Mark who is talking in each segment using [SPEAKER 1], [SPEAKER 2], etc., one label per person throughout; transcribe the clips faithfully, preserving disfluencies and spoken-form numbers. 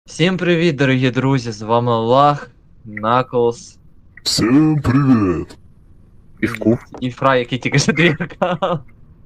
[SPEAKER 1] Всім привіт, дорогі друзі, з вами Лах, Наклз
[SPEAKER 2] Всем привет!
[SPEAKER 1] і, і Фрай, який тільки що двіркав.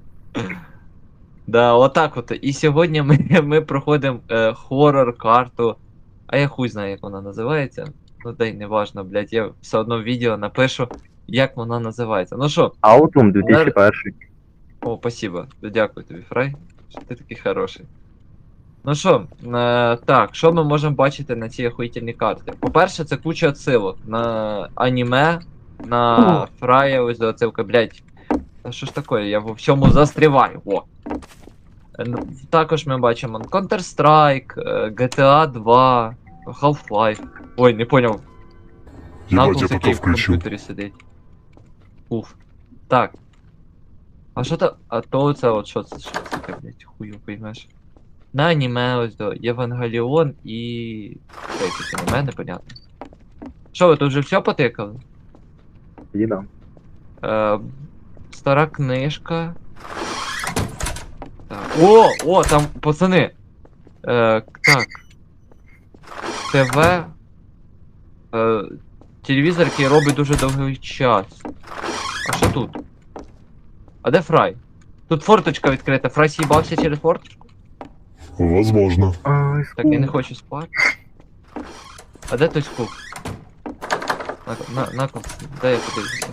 [SPEAKER 1] Да, отак от. І сьогодні ми, ми проходимо е, хоррор-карту. А я хуй знаю, як вона називається. Ну дай не важно, блядь, я все одно в відео напишу, як вона називається. Ну що?
[SPEAKER 3] Autumn дві тисячі перший.
[SPEAKER 1] О, спасибо. Дякую тобі, Фрай, що ти такий хороший. Ну що, е, так, що ми можемо бачити на цій охуїтельній карті? По-перше, це куча отсилок на аніме, на Фрая, ось до отсилка, блять. Та що ж таке, я во всьому застріваю, о. Е, ну, Також ми бачимо Counter-Strike, е, джі ті ей два, Half-Life. Ой, не поняв.
[SPEAKER 2] Ебать, я
[SPEAKER 1] Наклз,
[SPEAKER 2] пока
[SPEAKER 1] який в
[SPEAKER 2] включил.
[SPEAKER 1] комп'ютері сидить. Уф. Так. А що то. А то це от що це? Що це таке, блять, хую поймеш. На аніме ось до Євангеліон і. Це якесь аніме, непонятно. Що ви тут вже все потикали?
[SPEAKER 3] Тоді да.
[SPEAKER 1] Е, стара книжка. Так. О! О, там, пацани! Е, так. ТВ. Е, телевізор, який робить дуже довгий час. А що тут? А де Фрай? Тут форточка відкрита. Фрай с'їбався через форточку?
[SPEAKER 2] Возможно.
[SPEAKER 3] Ай,
[SPEAKER 1] Так, я не хочу спати. А де той скуп? На, на, Наклз, де я подивлюся?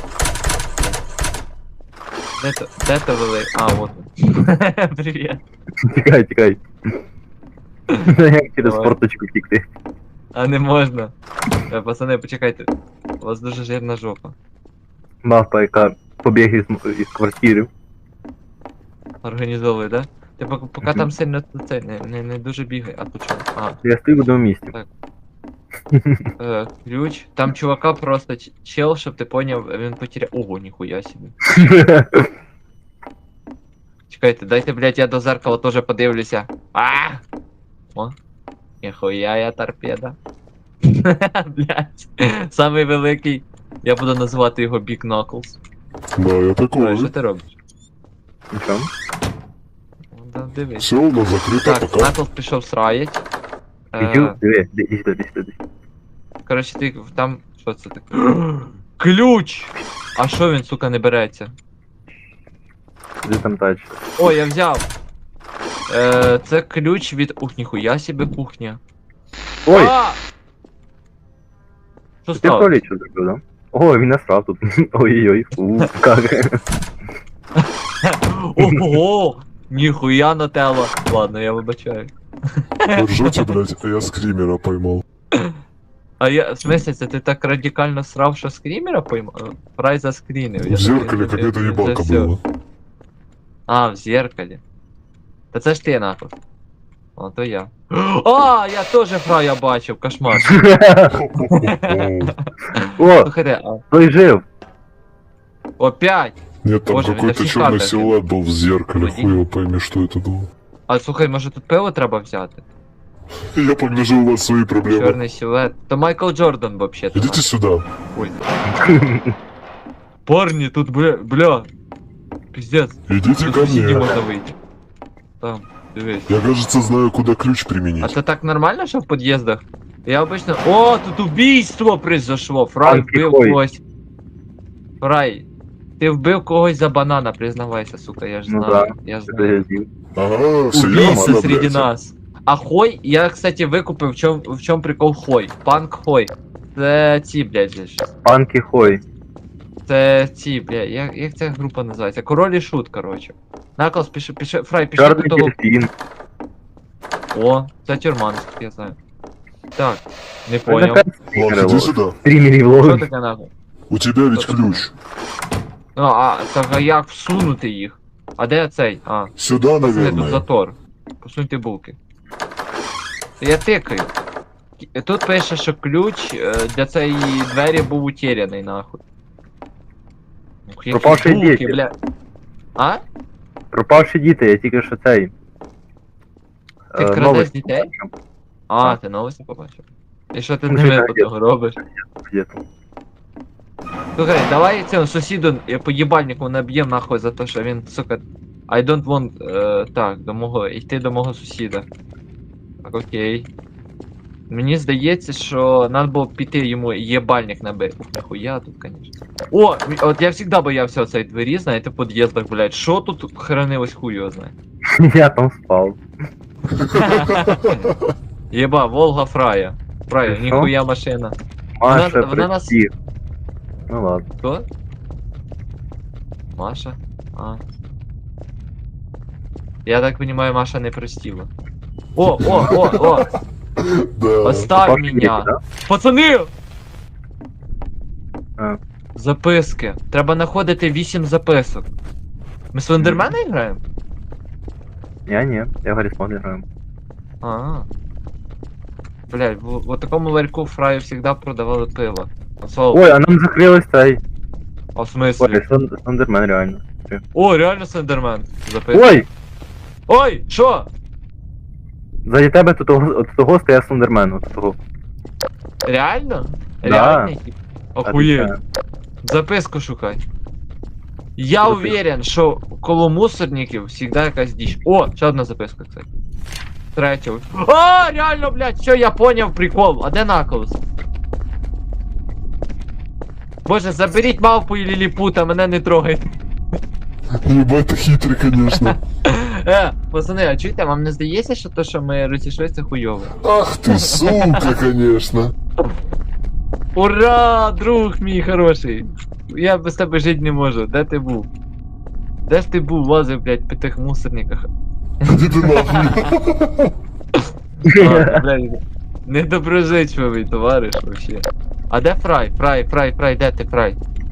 [SPEAKER 1] Де то, де то вели? А, от він. Привіт.
[SPEAKER 3] Тікай, тікай. Як через
[SPEAKER 1] Давай.
[SPEAKER 3] форточку тікти.
[SPEAKER 1] А не можна. Е, Пацани, почекайте. У вас дуже жирна жопа.
[SPEAKER 3] Мавпа, яка побіг із, із квартири.
[SPEAKER 1] Організовує, да? Ти поки, поки там сильно це, не, не, не дуже бігай, а тут що? А,
[SPEAKER 3] Я стою в одному місці.
[SPEAKER 1] е, ключ. Там чувака просто ч- чел, щоб ти поняв, він потеряв. Ого, ніхуя собі. Чекайте, дайте, блядь, я до зеркала теж подивлюся. А! О! Ніхуя я торпеда. Блядь. Самий великий. Я буду називати його Big Knuckles.
[SPEAKER 2] Да, я
[SPEAKER 1] Ой, що
[SPEAKER 2] такой.
[SPEAKER 1] ти робиш?
[SPEAKER 3] Нічого.
[SPEAKER 1] Ну, да, дивись.
[SPEAKER 2] Все у нас закрыто
[SPEAKER 1] Так,
[SPEAKER 2] пока.
[SPEAKER 1] Knuckles пішов сраять.
[SPEAKER 3] Іди,
[SPEAKER 1] Е,
[SPEAKER 3] диви, ди- іди сюди, іди сюди.
[SPEAKER 1] коротше, ти там. Що це таке? Ключ! А що він, сука, не береться?
[SPEAKER 3] Іди там далі.
[SPEAKER 1] О, я взяв! Е, це ключ від. Ух, ніхуя себе кухня.
[SPEAKER 3] Ой,
[SPEAKER 1] А! Що
[SPEAKER 3] ти в
[SPEAKER 1] стало?
[SPEAKER 3] туалет що зробив, да? О, він насрав тут. Ой-ой-ой, фу, как.
[SPEAKER 1] Ого! Ніхуя нателла. Ладно, я вибачаю.
[SPEAKER 2] Ржете, блядь, а я скримера поймал.
[SPEAKER 1] А я, в смысле, це ти так радикально срав, що скрімера поймав? Фрай заскрінив. я
[SPEAKER 2] В зеркале
[SPEAKER 1] такий,
[SPEAKER 2] какая-то
[SPEAKER 1] це
[SPEAKER 2] ебалка
[SPEAKER 1] всё.
[SPEAKER 2] была.
[SPEAKER 1] А, в зеркалі. Та це ж ти нахуй. О, то я. А, я теж Фрая бачив, кошмар.
[SPEAKER 3] О,
[SPEAKER 1] Слухайте, а
[SPEAKER 3] той жив.
[SPEAKER 1] опять!
[SPEAKER 2] Нет, там
[SPEAKER 1] Боже,
[SPEAKER 2] какой-то
[SPEAKER 1] это
[SPEAKER 2] черный
[SPEAKER 1] фикарно,
[SPEAKER 2] силуэт был в зеркале,
[SPEAKER 1] Водитель.
[SPEAKER 2] хуй его пойми, что это было.
[SPEAKER 1] А слухай, може тут пиво треба взяти?
[SPEAKER 2] Я погляжу, у вас свои проблемы.
[SPEAKER 1] Чорний силует. То Майкл Джордан вообще-то.
[SPEAKER 2] Идите сюда.
[SPEAKER 1] Ой. Парни, тут бля, бля. Пиздец.
[SPEAKER 2] Идите
[SPEAKER 1] Тут
[SPEAKER 2] ко
[SPEAKER 1] сусіді
[SPEAKER 2] мне.
[SPEAKER 1] можна вийти. Там, дивись.
[SPEAKER 2] Я, кажется, знаю, куда ключ
[SPEAKER 1] А
[SPEAKER 2] применить.
[SPEAKER 1] це так нормально, що в під'їздах? Я обычно... О, тут убийство произошло. Фрай
[SPEAKER 3] Панки
[SPEAKER 1] вбив
[SPEAKER 3] ходять.
[SPEAKER 1] когось. Фрай, ти вбив когось за банана, признавайся, сука, я ж
[SPEAKER 3] Ну
[SPEAKER 1] знаю.
[SPEAKER 3] да,
[SPEAKER 1] Я
[SPEAKER 3] Це
[SPEAKER 1] знаю.
[SPEAKER 3] я з'їв.
[SPEAKER 2] Ага, все
[SPEAKER 1] Убийца
[SPEAKER 2] ясно,
[SPEAKER 1] среди
[SPEAKER 2] блядь.
[SPEAKER 1] нас. А хой, я, кстати, викупив, в чому в чому прикол хой. Панк хой. Це ці, блядь, же ж.
[SPEAKER 3] Панки хой.
[SPEAKER 1] Це ці, блядь, як, як ця група називається? Король і шут, коротше. Наклз, піши, піши, Фрай, піши до
[SPEAKER 3] Чорний
[SPEAKER 1] того.
[SPEAKER 3] дельфін.
[SPEAKER 1] О, це тюрма, наскільки я знаю. Так, не поняв.
[SPEAKER 2] Ладно, иди сюда.
[SPEAKER 3] Стрімері
[SPEAKER 1] Що
[SPEAKER 3] влоги.
[SPEAKER 1] таке нахуй?
[SPEAKER 2] У тебя ведь ключ.
[SPEAKER 1] Ну, а, так а як всунути їх? А де цей? А,
[SPEAKER 2] Сюда,
[SPEAKER 1] пацани, тут
[SPEAKER 2] наверное.
[SPEAKER 1] затор. Посуньте булки. Я тикаю. Кі- Тут пише, що ключ е, для цієї двері був утеряний, нахуй. Ух, які
[SPEAKER 3] Пропавші
[SPEAKER 1] булки,
[SPEAKER 3] діти.
[SPEAKER 1] бля. А?
[SPEAKER 3] Пропавші діти, я тільки що цей.
[SPEAKER 1] Ти
[SPEAKER 3] е,
[SPEAKER 1] крадеш
[SPEAKER 3] новості
[SPEAKER 1] дітей?
[SPEAKER 3] побачив.
[SPEAKER 1] А, ти новості побачив. І що ти з
[SPEAKER 3] Ну,
[SPEAKER 1] ними
[SPEAKER 3] так,
[SPEAKER 1] потім робиш?
[SPEAKER 3] Є там.
[SPEAKER 1] Слухай, давай цьому сусіду я по їбальнику наб'єм нахуй за те, що він, сука. I don't want. Е, так, до мого. Йти до мого сусіда. Так, окей. Мені здається, що треба було піти йому єбальник набити. Ух, нахуя тут, конечно. О, от я завжди боявся оцей двері, знаєте, в під'їздах, блядь. Що тут хранилось хуй його знає.
[SPEAKER 3] Я там спав.
[SPEAKER 1] Єба, Волга Фрая. Фрая,
[SPEAKER 3] Що?
[SPEAKER 1] ніхуя машина.
[SPEAKER 3] Маша,
[SPEAKER 1] вона нас-
[SPEAKER 3] прости. Ну ладно.
[SPEAKER 1] Хто? Маша? А. Я так понимаю, Маша не простила. О, о, о, о!
[SPEAKER 2] Да.
[SPEAKER 1] Оставь
[SPEAKER 3] Папа
[SPEAKER 1] меня!
[SPEAKER 3] Кирилл, да?
[SPEAKER 1] Пацани!
[SPEAKER 3] А.
[SPEAKER 1] Записки. Треба знаходити вісім записок. Ми Слендермена граємо?
[SPEAKER 3] Я не, я Гаррисмон играю.
[SPEAKER 1] А. Блядь, в, в такому ларьку Фраю всегда продавали пиво. А слово,
[SPEAKER 3] Ой, а нам закрылась тай.
[SPEAKER 1] а в смысле?
[SPEAKER 3] Ой, Сон- Сондермен реально.
[SPEAKER 1] О, реально Слендермен. Записки.
[SPEAKER 3] Ой!
[SPEAKER 1] Ой, що?
[SPEAKER 3] Заді тебе тут того, от того стояв Сондермен, от того.
[SPEAKER 1] Реально?
[SPEAKER 3] Да.
[SPEAKER 1] Реально? Охуєть.
[SPEAKER 3] Отвечаю.
[SPEAKER 1] Записку шукай. Я
[SPEAKER 3] Записку.
[SPEAKER 1] уверен, що коло мусорників всегда якась дичь. О, ще одна записка, кстати. Третя. А, реально, блядь, все, я поняв прикол. А де наколос? Боже, заберіть мавпу і ліліпута, мене не трогайте.
[SPEAKER 2] Ебать, ты хитрый, конечно.
[SPEAKER 1] Е, пацани, а чуєте, вам не здається, що то, що ми розійшлися хуйово?
[SPEAKER 2] Ах ты, сука, конечно.
[SPEAKER 1] Ура, друг мій хороший. Я без тебе жити не можу. Де ти був? Де ж ти був, лазив, блядь, по тих мусорниках?
[SPEAKER 2] Иди ты нахуй.
[SPEAKER 1] А, блядь, недоброзичливий товариш вообще. А де Фрай? Фрай, Фрай, Фрай, де ти, Фрай?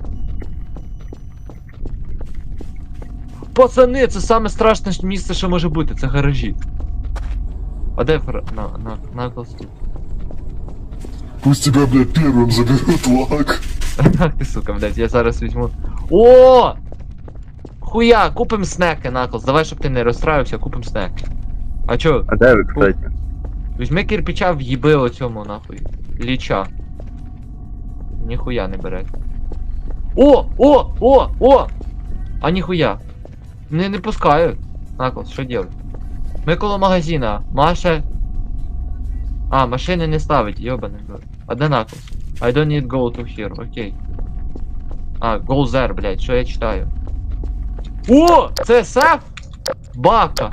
[SPEAKER 1] Пацани, це саме страшне місце, що може бути, це гаражі. А де Фрай? На, на, на тут.
[SPEAKER 2] Пусть тебя, блядь, первым заберут лак.
[SPEAKER 1] Ах ти, сука, блядь, я зараз візьму. О! Хуя, купим снеки, Наклз, давай, щоб ти не розстраивався, купим снеки. А чо?
[SPEAKER 3] А де ви, кстати?
[SPEAKER 1] Візьми кирпича, в'їби оцьому, нахуй. Ліча. Ніхуя не бере. О! О! О! О! А ніхуя. Не, не пускають. Наклз, що делать? Ми коло магазина. Маша. А, машини не ставить, йобаний. А де Наклз? I don't need go to here, окей. А, go there, блядь, що я читаю? О! Це сеф? Бака.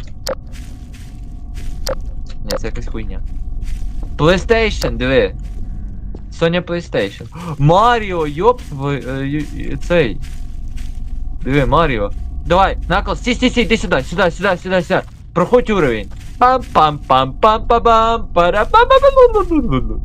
[SPEAKER 1] Ні, це якась хуйня. PlayStation, диви. Sony PlayStation. Маріо, йоп, ви, е, ю- ю- цей. Диви, Маріо. Давай, Наклз, стій, стій, стій, іди сюди, сюди, сюди, сюди, сюди. Проходь уровень. пам пам пам пам пам пам пара пам пам пам пам.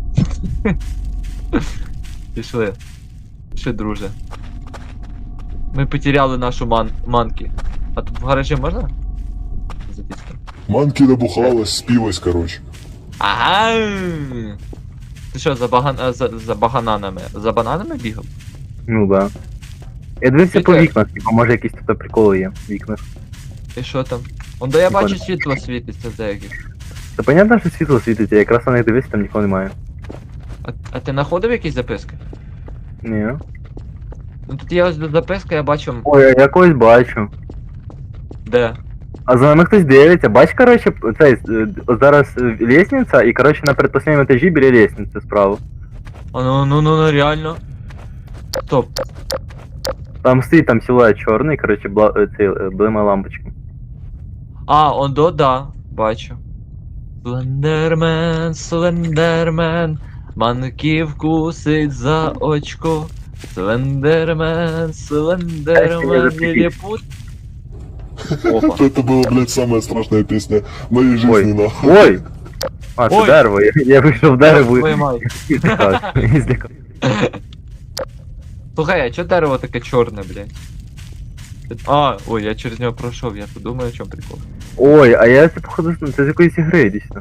[SPEAKER 1] Пішли. Пішли, друже. Ми потеряли нашу ман манки. А тут в гаражі можна? Записка.
[SPEAKER 2] Манки набухалась, спилась, короче.
[SPEAKER 1] Ага. Ти що, за, баган... а, за, за багананами? За бананами бігав?
[SPEAKER 3] Ну да. Я дивився по
[SPEAKER 1] Яке?
[SPEAKER 3] вікнах, типа, може якісь тут приколи є в вікнах.
[SPEAKER 1] І що там? Он де я
[SPEAKER 3] Прикольно.
[SPEAKER 1] бачу світло світиться за яких.
[SPEAKER 3] Та понятно, що світло світиться, я якраз на них дивився, там нікого немає.
[SPEAKER 1] А, а ти знаходив якісь записки?
[SPEAKER 3] Ні.
[SPEAKER 1] Ну тут є ось записка, я бачу.
[SPEAKER 3] Ой, я якогось бачу.
[SPEAKER 1] Де?
[SPEAKER 3] А за нами хтось дивиться. Бач, короче, цей, е, зараз е, лестниця, і, короче, на предпоследнем етажі біля лестниці справа.
[SPEAKER 1] А ну ну ну ну реально. Стоп.
[SPEAKER 3] Там стоїть там силует чорний, короче, бла, е, цей, е, блима лампочка.
[SPEAKER 1] А, он до, да, бачу. Слендермен, слендермен, манків кусить за очко. Слендермен, слендермен, ліліпут. Опа.
[SPEAKER 2] Это была, блядь, самая страшная песня в моей жизни,
[SPEAKER 3] Ой.
[SPEAKER 2] нахуй.
[SPEAKER 3] Ой! А, це
[SPEAKER 1] Ой.
[SPEAKER 3] дерево, я, я вийшов в дерево
[SPEAKER 1] Твою
[SPEAKER 3] і
[SPEAKER 1] мать.
[SPEAKER 3] і злякався, і злякався.
[SPEAKER 1] Слухай, а чо дерево таке чорне, блядь? А, ой, я через нього пройшов, я подумаю, о чому прикол.
[SPEAKER 3] Ой, а я це походу, ну, це з якоїсь ігри дійсно.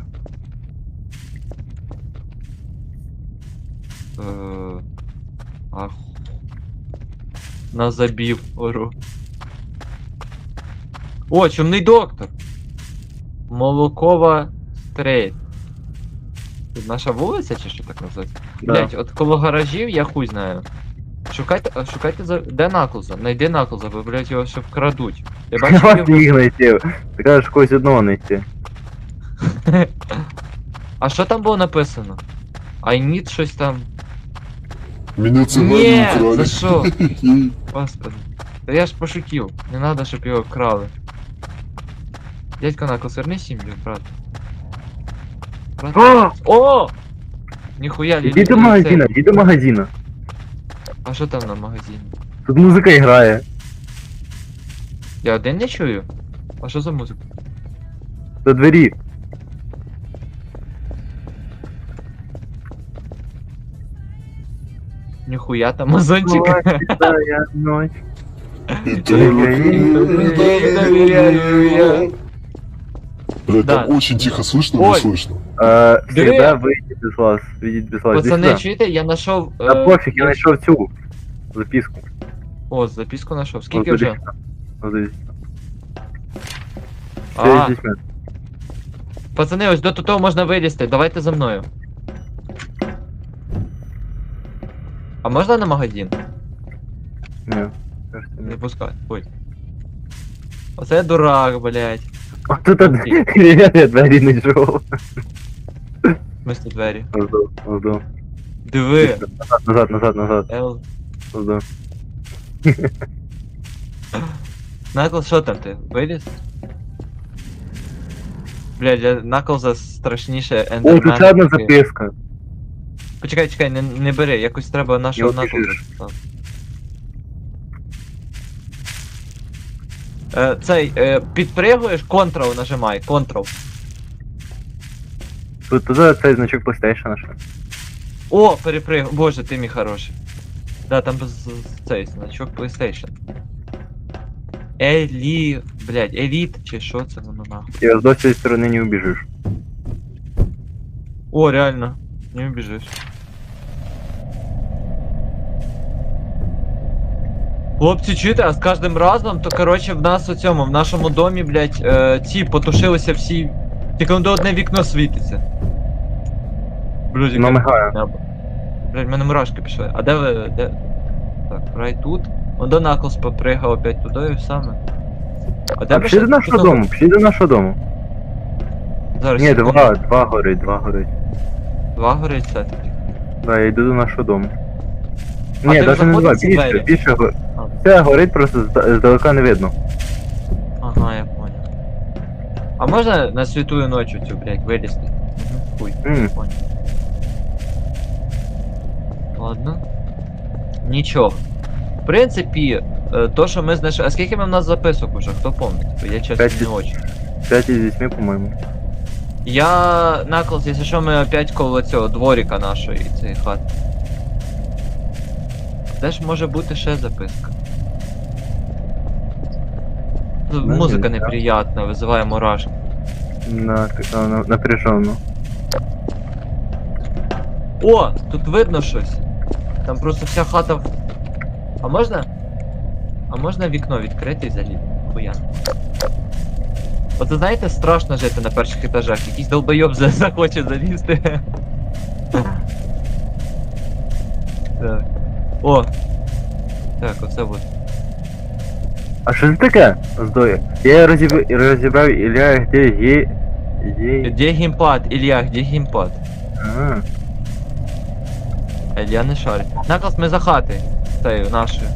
[SPEAKER 1] Е, Ах. На забів ору. О, чумний доктор. Молокова стрейт. Тут наша вулиця чи що так називається?
[SPEAKER 3] Да.
[SPEAKER 1] Блять, от коло гаражів я хуй знаю. Шукайте, а, шукайте за. Де Наклза? Найди Наклза, бо, блять, його ще вкрадуть. Я
[SPEAKER 3] Я
[SPEAKER 1] бачу
[SPEAKER 3] вас
[SPEAKER 1] його.
[SPEAKER 3] їх знайти. Ти кажеш когось одного знайти.
[SPEAKER 1] А що там було написано? I need щось там.
[SPEAKER 2] Меня
[SPEAKER 1] Ні,
[SPEAKER 2] цыгане украли.
[SPEAKER 1] за що? Господи. Та я ж пошутів. Не надо, щоб його вкрали. Дядько Наклз, верни сім'ю, брат. Брат.
[SPEAKER 3] О!
[SPEAKER 1] О! Ніхуя,
[SPEAKER 3] Іди до магазина, іди до магазина.
[SPEAKER 1] А що там на магазині?
[SPEAKER 3] Тут музика грає.
[SPEAKER 1] Я один не чую? А що за музика?
[SPEAKER 3] До двері.
[SPEAKER 1] Ніхуя там мазончик.
[SPEAKER 3] Твоя ночь.
[SPEAKER 2] И только
[SPEAKER 1] Ей доверяю я.
[SPEAKER 2] Блядь,
[SPEAKER 1] Да.
[SPEAKER 2] там очень тихо слышно,
[SPEAKER 1] Ой.
[SPEAKER 2] но слышно.
[SPEAKER 3] Е,
[SPEAKER 1] Диви.
[SPEAKER 3] Всегда вийдіть без вас. Вийдіть без вас. Іди
[SPEAKER 1] Пацани,
[SPEAKER 3] сюди.
[SPEAKER 1] чуєте, я знайшов.
[SPEAKER 3] Та
[SPEAKER 1] е,
[SPEAKER 3] пофіг, я знайшов цю записку.
[SPEAKER 1] О, записку знайшов.
[SPEAKER 3] Ось
[SPEAKER 1] Скільки
[SPEAKER 3] дивись
[SPEAKER 1] вже?
[SPEAKER 3] сюди. Ось дивись.
[SPEAKER 1] А,
[SPEAKER 3] Це здесь ми.
[SPEAKER 1] пацани, ось до того можна вилізти. Давайте за мною. А можна на магазин?
[SPEAKER 3] Ні. кажется, ні.
[SPEAKER 1] Не пускай. Ой. Оце я дурак, блядь.
[SPEAKER 3] О, тут один ребята, я двері не йшов.
[SPEAKER 1] Мисто двері.
[SPEAKER 3] Ось до, ось до.
[SPEAKER 1] Диви.
[SPEAKER 3] Назад, назад, назад.
[SPEAKER 1] Ел.
[SPEAKER 3] Ось до.
[SPEAKER 1] Наклз, що там ти? Виліз? Блядь, для Наклза страшніше
[SPEAKER 3] О,
[SPEAKER 1] ендермен.
[SPEAKER 3] тут ще одна
[SPEAKER 1] такий.
[SPEAKER 3] записка.
[SPEAKER 1] Почекай, чекай, не, не бери, якось треба нашого
[SPEAKER 3] Я
[SPEAKER 1] Наклза.
[SPEAKER 3] біжиш.
[SPEAKER 1] поставити. Е, цей, е, підпригуєш, Ctrl нажимай, Ctrl.
[SPEAKER 3] Тут тут цей значок PlayStation ще.
[SPEAKER 1] О, перепригу. Боже, ти мій хороший. Да, там з- з- цей значок PlayStation. Елі... Блядь, Еліт, чи що це воно нахуй?
[SPEAKER 3] І ось до цієї сторони не убіжиш.
[SPEAKER 1] О, реально. Не убежишь. Хлопці, чуєте, а з кожним разом, то коротше в нас у цьому, в нашому домі, блядь, е, ці потушилися всі. Тільки воно одне вікно світиться. Блядь,
[SPEAKER 3] Воно мигає.
[SPEAKER 1] небо. Блядь, в мене мурашки пішли. А де ви. Де? Так, рай тут. Он до Наклз попригав опять туди і саме. А де
[SPEAKER 3] А
[SPEAKER 1] ви
[SPEAKER 3] пішли
[SPEAKER 1] ще-
[SPEAKER 3] до нашого
[SPEAKER 1] тут-
[SPEAKER 3] дому, пішли до нашого дому.
[SPEAKER 1] Зараз.
[SPEAKER 3] Ні,
[SPEAKER 1] секунду.
[SPEAKER 3] два, два горить, два горить.
[SPEAKER 1] Два горить все-таки.
[SPEAKER 3] Да, я йду до нашого дому.
[SPEAKER 1] А
[SPEAKER 3] Ні,
[SPEAKER 1] ти
[SPEAKER 3] навіть не
[SPEAKER 1] заходив
[SPEAKER 3] два,
[SPEAKER 1] в ці
[SPEAKER 3] більше,
[SPEAKER 1] двері?
[SPEAKER 3] більше го-
[SPEAKER 1] А.
[SPEAKER 3] Все горить, просто зда- здалека не видно.
[SPEAKER 1] Ага, я понял. А можно на святую ночь у тебя, блядь, вылезти? Мгм, хуй,
[SPEAKER 3] М.
[SPEAKER 1] понял. Ладно. Нічого. В принципі, е, то, що ми знайшли. А скільки ми в нас записок уже? Хто помнить? Бо я чесно
[SPEAKER 3] П'ять.
[SPEAKER 1] не очень.
[SPEAKER 3] П'ять із вісьми, по-моєму.
[SPEAKER 1] Я Наклз, якщо що, ми опять коло цього дворика нашої цієї хати. Де ж може бути ще записка? Тут
[SPEAKER 3] Ну,
[SPEAKER 1] музика
[SPEAKER 3] не знаю.
[SPEAKER 1] неприятна, визиває мурашки.
[SPEAKER 3] На, на, на, напряженно.
[SPEAKER 1] О, тут видно щось. Там просто вся хата в... А можна? А можна вікно відкрити і залізти? Хуя. От ви знаєте, страшно жити на перших етажах. Якийсь долбойоб за- захоче залізти. Так. О! Так, оце от.
[SPEAKER 3] А що це таке? Здоє. Я розіб... розібрав Ілля, де є... є...
[SPEAKER 1] Де геймпад, Ілля, де геймпад?
[SPEAKER 3] Ага.
[SPEAKER 1] А Ілля не шарить. Наклз, ми за хати. Цією, нашою.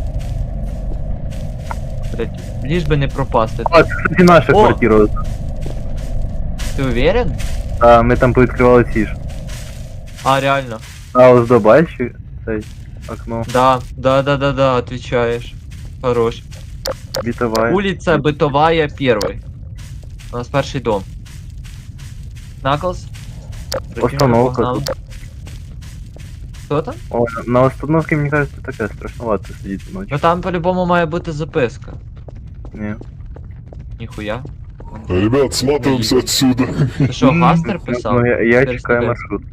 [SPEAKER 1] Блять, ліж би не пропасти.
[SPEAKER 3] А, це, кстати, наша
[SPEAKER 1] О!
[SPEAKER 3] квартира.
[SPEAKER 1] Ти уверен?
[SPEAKER 3] А, ми там повідкривали ці ж.
[SPEAKER 1] А, реально.
[SPEAKER 3] А, ось до бачиш? Цей окно.
[SPEAKER 1] Да, да, да, да, да, отвечаешь. Хорош.
[SPEAKER 3] Бітовая.
[SPEAKER 1] Улица Бытовая, первый. У нас перший дом. Наклз?
[SPEAKER 3] Остановка
[SPEAKER 1] Погнали. Хто там?
[SPEAKER 3] О, на- на остановці, мені кажется, таке страшновато сидіти ночі.
[SPEAKER 1] Ну там по-любому має бути записка.
[SPEAKER 3] Ні.
[SPEAKER 1] Ніхуя.
[SPEAKER 2] Ребят, сматываемся отсюда.
[SPEAKER 1] Ти що, Гастер писав?
[SPEAKER 3] Ну, я, я
[SPEAKER 1] Перестудент.
[SPEAKER 3] чекаю маршрут.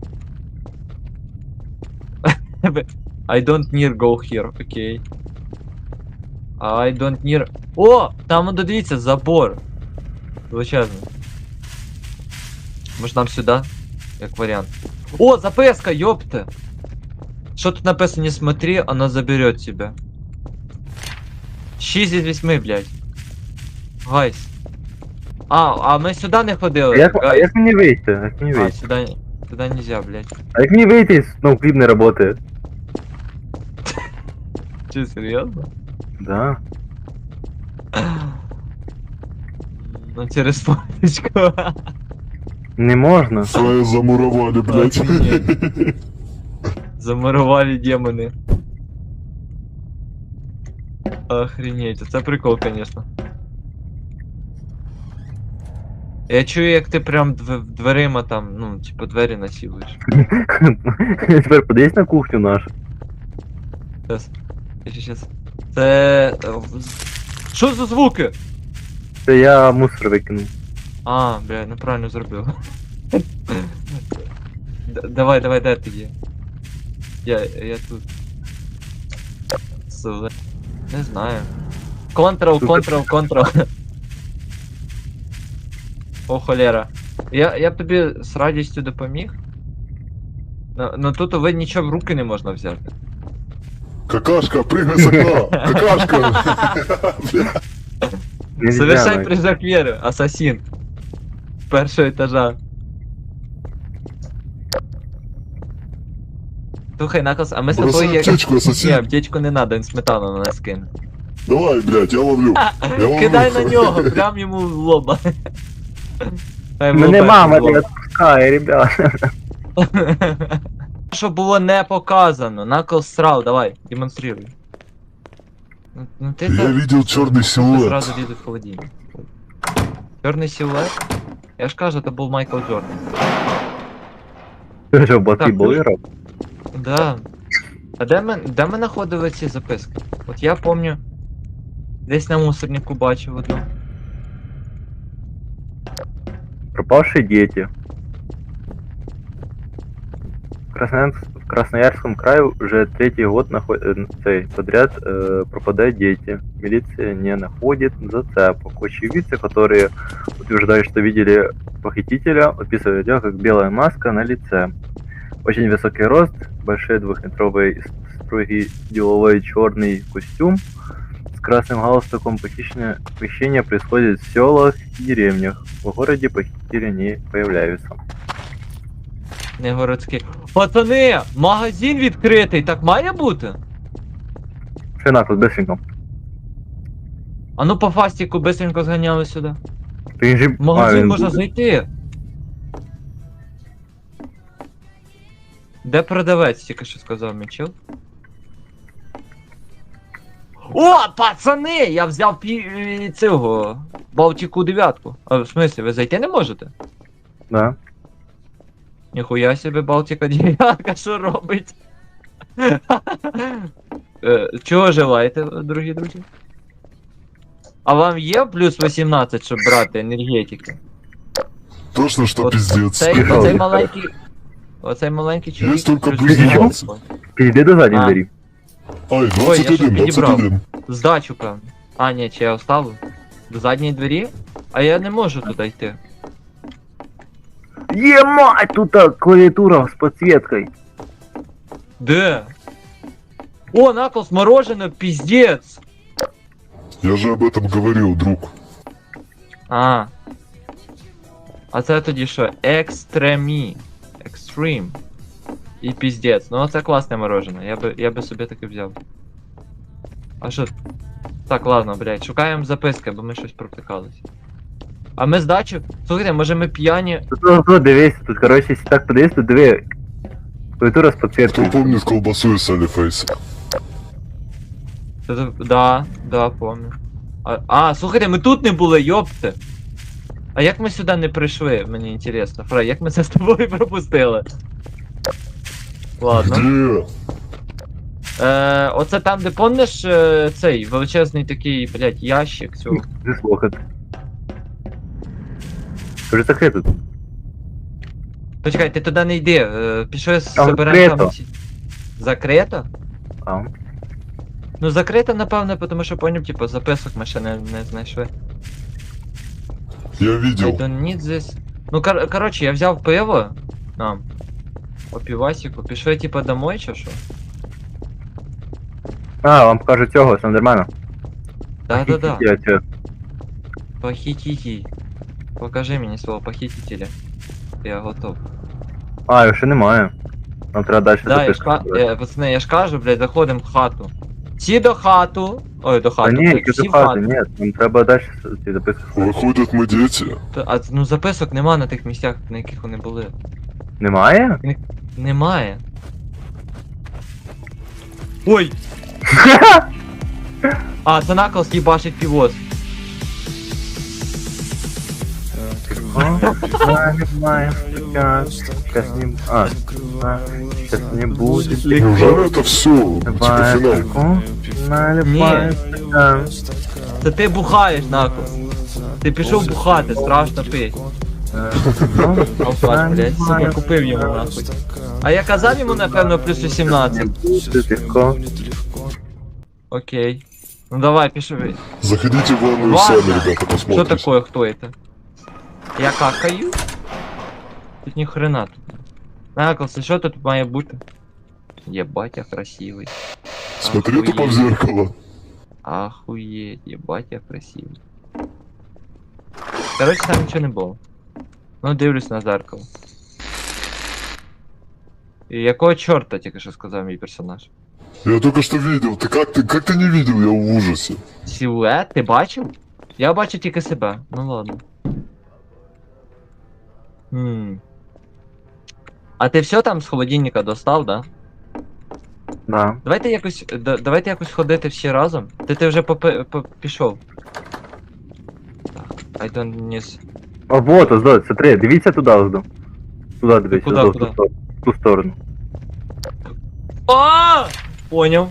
[SPEAKER 1] I don't near go here, окей. I don't near... О! Там, ну, дивіться, забор. Величезний. Може нам сюди? Як варіант. О, записка, ёпта! Что тут написано? Не смотри, она заберет тебя. шесть из восьми, блядь. Гайс. А, а ми сюди не
[SPEAKER 3] А
[SPEAKER 1] ходили.
[SPEAKER 3] як, а
[SPEAKER 1] Гай.
[SPEAKER 3] як мені вийти? Як мені
[SPEAKER 1] А,
[SPEAKER 3] вийти?
[SPEAKER 1] сюди, сюди нельзя, блядь.
[SPEAKER 3] А як мені вийти, ну, кліп не работає?
[SPEAKER 1] Чи серйозно?
[SPEAKER 3] Да.
[SPEAKER 1] Ну через фоточку.
[SPEAKER 3] Не можна.
[SPEAKER 2] Фрая замуровали, блядь.
[SPEAKER 1] Охренеть. Замурували демони. Охренеть, це прикол, конечно. Я чую, як ти прям дв- дверима там, ну, типу, двері насилуєш.
[SPEAKER 3] Тепер подивись на кухню нашу.
[SPEAKER 1] Щас. Щас, щас. Це... е, в- Що за звуки?
[SPEAKER 3] Це я мусор викинув.
[SPEAKER 1] А, бля, неправильно зробив. Д- Давай, давай, де ти є? Я, я тут. Суве. Не знаю. Контрол,
[SPEAKER 3] Тут-
[SPEAKER 1] контрол, контрол. О, холера. Я, я б тобі з радістю допоміг. Ну, ну тут ви нічого в руки не можна взяти.
[SPEAKER 2] Какашка, прыгай с окна! Какашка! Бля.
[SPEAKER 3] Нельзя,
[SPEAKER 1] Совершай
[SPEAKER 3] ну.
[SPEAKER 1] прыжок веры, ассасин. С першого этажа. Слухай, Наклз, а ми з
[SPEAKER 2] Бросай
[SPEAKER 1] тобою як...
[SPEAKER 2] аптечку,
[SPEAKER 1] Ні,
[SPEAKER 2] ассасин!
[SPEAKER 1] аптечку не надо, він сметану на нас кине.
[SPEAKER 2] Давай, блядь, я ловлю! Я ловлю!
[SPEAKER 1] Кидай на нього, прям йому в лоба. Хай в
[SPEAKER 3] Мене
[SPEAKER 1] лоба,
[SPEAKER 3] мама
[SPEAKER 1] в лоб.
[SPEAKER 3] не відпускає, ребята.
[SPEAKER 1] Що було не показано. Наклз срав, давай, демонструй. Ну, ну ти
[SPEAKER 2] Я
[SPEAKER 1] так
[SPEAKER 2] видел черный
[SPEAKER 1] ти
[SPEAKER 2] силуэт.
[SPEAKER 1] зразу лізуть в холодильник. Чорний силует? Я ж кажу, це був Майкл Джордан.
[SPEAKER 3] Ти що, боти
[SPEAKER 1] Так,
[SPEAKER 3] були
[SPEAKER 1] ну,
[SPEAKER 3] роб?
[SPEAKER 1] Да. А де ми, де ми знаходили ці записки? От я помню, десь на мусорнику бачив одну.
[SPEAKER 3] Пропавшие дети. В, Красноярск- в Красноярском крае уже третий год наход... э, цей, подряд э, пропадают дети. Милиция не находит зацепок. Очевидцы, которые утверждают, что видели похитителя, описывают его как белая маска на лице. Очень высокий рост, большой двухметровый строгий деловой черный костюм с красным галстуком. Похищение, похищение происходит в селах и деревнях. В городе похитители не появляются.
[SPEAKER 1] Не городський. Пацани! Магазин відкритий, так має бути?
[SPEAKER 3] Что нахуй, быстренько.
[SPEAKER 1] А ну по фастіку бистренько зганяли сюди.
[SPEAKER 3] Ты же...
[SPEAKER 1] В магазин
[SPEAKER 3] А, він
[SPEAKER 1] можна
[SPEAKER 3] буде.
[SPEAKER 1] знайти. Де продавець, тільки що сказав Мічел? О, пацани! Я взяв пі... е, цього Балтіку дев'ятку. А в смислі, ви зайти не можете?
[SPEAKER 3] Да.
[SPEAKER 1] Ніхуя себе Балтіка дев'ятка, що робить? Е, Чого желаєте, дорогі друзі? А вам є плюс вісімнадцять, щоб брати енергетики?
[SPEAKER 2] Точно, что
[SPEAKER 1] Вот
[SPEAKER 2] пиздец.
[SPEAKER 1] Цей,
[SPEAKER 3] Прикол.
[SPEAKER 1] оцей маленький. Оцей маленький чоловік.
[SPEAKER 2] тільки
[SPEAKER 1] плюс
[SPEAKER 2] плюс
[SPEAKER 1] вісімнадцять.
[SPEAKER 2] двадцять.
[SPEAKER 3] Пизди до задней
[SPEAKER 1] А.
[SPEAKER 3] двери.
[SPEAKER 2] Ай,
[SPEAKER 1] Ой,
[SPEAKER 2] двадцать
[SPEAKER 1] я щось
[SPEAKER 2] один, двадцать
[SPEAKER 1] підібрав.
[SPEAKER 2] один.
[SPEAKER 1] Здачу, певно. А, ні, чи я оставив? До задньої двері? А я не можу туди йти.
[SPEAKER 3] Емать, тут а, клавиатура с подсветкой.
[SPEAKER 1] Де? О, Наклз, мороженое, пиздец!
[SPEAKER 2] Я же об этом говорил, друг.
[SPEAKER 1] А. А це тоді що? Екстремі. Екстрім. І піздець. Ну це класне мороженое. Я би, я би собі таке взяв. А що? Так, ладно, блядь, шукаємо записки, бо ми щось провтикались. А ми здачу? Слухайте, може ми п'яні.
[SPEAKER 3] Тут, тут, тут дивись, тут, короче, если так подивись, тут диви. Клавиатура с
[SPEAKER 2] Кто
[SPEAKER 3] подсветкой.
[SPEAKER 2] помнит колбасу из Салифейса?
[SPEAKER 1] Та- Да, да, помню. А, а, слухайте, ми тут не були, йопте. А як ми сюди не прийшли, мені інтересно. Фрай, як ми це з тобою пропустили? Ладно.
[SPEAKER 2] Где?
[SPEAKER 1] Е, оце там, де помниш е, цей величезний такий, блядь, ящик цього.
[SPEAKER 3] Здесь лохот. Уже закрыто.
[SPEAKER 1] Почекай, ти туди не йди. Е, пішли
[SPEAKER 3] Там
[SPEAKER 1] заберемо
[SPEAKER 3] закрито.
[SPEAKER 1] там. ці- Закрито?
[SPEAKER 3] А,
[SPEAKER 1] Ну закрито, напевно, тому що поняв, типу, записок ми ще не, не знайшли.
[SPEAKER 2] Я
[SPEAKER 1] I
[SPEAKER 2] видел.
[SPEAKER 1] don't need this. Ну, кор коротше, я взяв пиво. Нам. По півасіку. Пішли, типа, домой чи що?
[SPEAKER 3] а вам покажу цього, все нормально.
[SPEAKER 1] Да-да-да.
[SPEAKER 3] Я тебе.
[SPEAKER 1] Похі-хі-хі. Покажи мені свого похитителя. Я готов.
[SPEAKER 3] А, його ще немає. Нам треба далі
[SPEAKER 1] Да, я ж,
[SPEAKER 3] записку.
[SPEAKER 1] ка-
[SPEAKER 3] зробити.
[SPEAKER 1] е, пацани, я ж кажу, блядь, заходимо в хату. Всі до хату. Ой, до
[SPEAKER 3] Та
[SPEAKER 1] хату,
[SPEAKER 3] ні,
[SPEAKER 1] блядь,
[SPEAKER 3] які
[SPEAKER 1] всі
[SPEAKER 3] до
[SPEAKER 1] в
[SPEAKER 3] хати,
[SPEAKER 1] хату.
[SPEAKER 3] ні, нам треба далі ці записки.
[SPEAKER 2] Выходят мы дети.
[SPEAKER 1] Та- А ну записок нема на тих місцях, на яких вони були.
[SPEAKER 3] Немає?
[SPEAKER 1] Немає. Ой! А, це Наклз їбашить півоз.
[SPEAKER 3] Немає, немає, Сейчас не... А, сейчас не будет.
[SPEAKER 2] Неужели это все? Типа
[SPEAKER 3] Давай,
[SPEAKER 2] финал.
[SPEAKER 3] таку. Наливай стакан.
[SPEAKER 1] Це ти бухаєш, Наклз. Ти пішов бухати, страшно пить. Алкаш, блядь, сука, купив йому нахуй. А я казав йому, напевно, плюс вісімнадцять.
[SPEAKER 3] Будет легко.
[SPEAKER 1] Окей. Ну давай, пішов.
[SPEAKER 2] Заходите в ванную
[SPEAKER 1] Ладно.
[SPEAKER 2] сами, ребята,
[SPEAKER 1] Что
[SPEAKER 2] посмотрите.
[SPEAKER 1] такое, кто это? Я какаю? Тут ни хрена тут. Наклз, що тут має бути? Єбать, я красивий.
[SPEAKER 2] Смотри тупо в
[SPEAKER 1] Охуеть.
[SPEAKER 2] зеркало.
[SPEAKER 1] Охуеть, ебать, я красивий. Короче, там нічого не було. Ну, дивлюсь на зеркало. І якого чорта тільки що сказав мій персонаж?
[SPEAKER 2] Я только что видел. Ты как ты, как ты не видел? Я в ужасе.
[SPEAKER 1] Силует? Ти бачив? Я бачу тільки себе. Ну ладно. Хм. А ти все там з холодильника достав, да?
[SPEAKER 3] Да.
[SPEAKER 1] Давайте якось. да- давайте якось ходити всі разом. Ти ти вже попи, по, пішов. Так, I don't need...
[SPEAKER 3] А вот, ось, да, смотри, дивіться туди, ось. до. Туди дивіться,
[SPEAKER 1] Куда,
[SPEAKER 3] ось, в
[SPEAKER 1] куда?
[SPEAKER 3] ту сторону. В ту сторону.
[SPEAKER 1] А! Понял.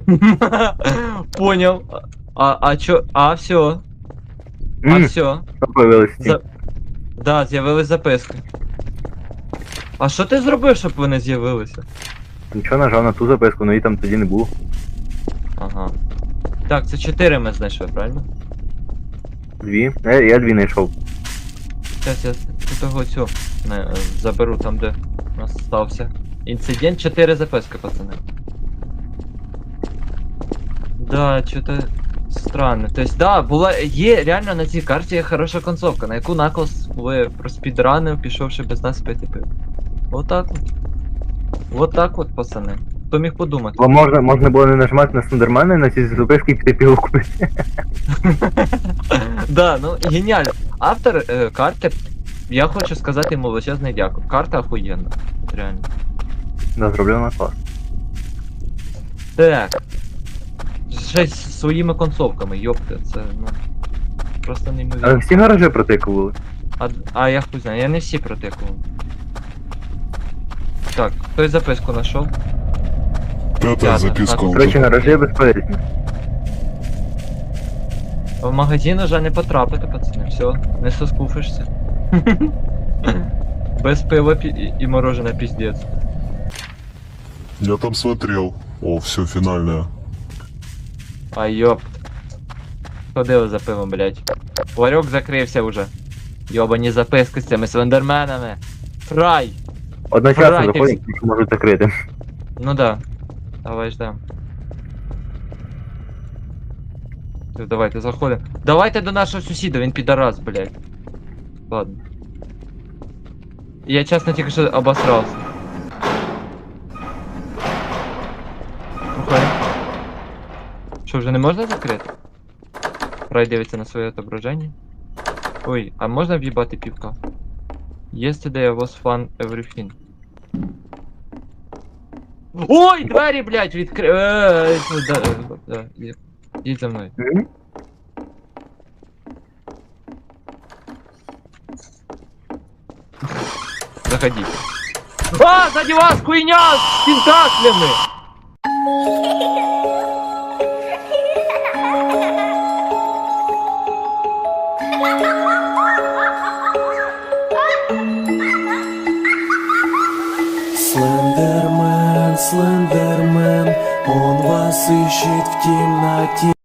[SPEAKER 1] Понял. А, а чё? А, все. А,
[SPEAKER 3] Ммм,
[SPEAKER 1] все.
[SPEAKER 3] що появилось ці?
[SPEAKER 1] За... Да, з'явились записки. А що ти зробив, щоб вони з'явилися?
[SPEAKER 3] Нічого, нажав на ту записку, но її там тоді не було.
[SPEAKER 1] Ага. Так, це чотири ми знайшли, правильно?
[SPEAKER 3] Дві. Я, я дві знайшов.
[SPEAKER 1] Зараз я з того цю не, е, заберу там, де у нас стався. Інцидент, чотири записки, пацани. Да, что-то странно. То есть, да, була, є реально на цій карті є хороша концовка, на яку Наклз ви проспідранив, пішовши без нас пити пив. Вот так от. Вот так от, пацани. Хто міг подумати?
[SPEAKER 3] Бо можна, можна було не нажимати на Слендермена і на ці записки і піти пиво купити.
[SPEAKER 1] Да, ну геніально. Автор е, карти, я хочу сказати йому величезне дякую. Карта охуєнна. Реально.
[SPEAKER 3] Да, зроблено клас.
[SPEAKER 1] Так. Ще й з своїми концовками, йопте, це ну. Просто
[SPEAKER 3] А
[SPEAKER 1] неймовірно.
[SPEAKER 3] всі гаражі протикували.
[SPEAKER 1] А, а я хуй знаю, я не всі протикував. Так, хтось записку знайшов?
[SPEAKER 2] Пятая
[SPEAKER 1] Пятая,
[SPEAKER 2] записка.
[SPEAKER 1] так.
[SPEAKER 2] уже.
[SPEAKER 3] Коротше, гаражі безполезні.
[SPEAKER 1] В магазин уже не потрапити, пацани, все, не соскуфишся. Без пива пі- і, і мороженое піздець.
[SPEAKER 2] Я там смотрел. О, все, финальная.
[SPEAKER 1] А йопт. Ходили за пивом, блять. Ларьок закрився уже. Йобані записки з цими слендерменами. Фрай!
[SPEAKER 3] Одночасно
[SPEAKER 1] Фрай, ти
[SPEAKER 3] заходять, що можуть закрити.
[SPEAKER 1] Ну да. Давай ждем. Ти, Давайте заходимо. Давайте до нашого сусіда, він підарас, блять. Ладно. Я чесно тільки що обосрався. Уходим. Що, вже не можна закрити? Фрай дивиться на своє отображення. Ой, а можна в'їбати півка? Yesterday I was fun everything. Ой, двері, блядь, відкри... Е, да, е, да, є- Їдь за мною.
[SPEAKER 3] М?
[SPEAKER 1] Заходите. А, сзади вас, хуйня с тентаклями!
[SPEAKER 4] Слендермен, Слендермен, он вас ищет в темноте.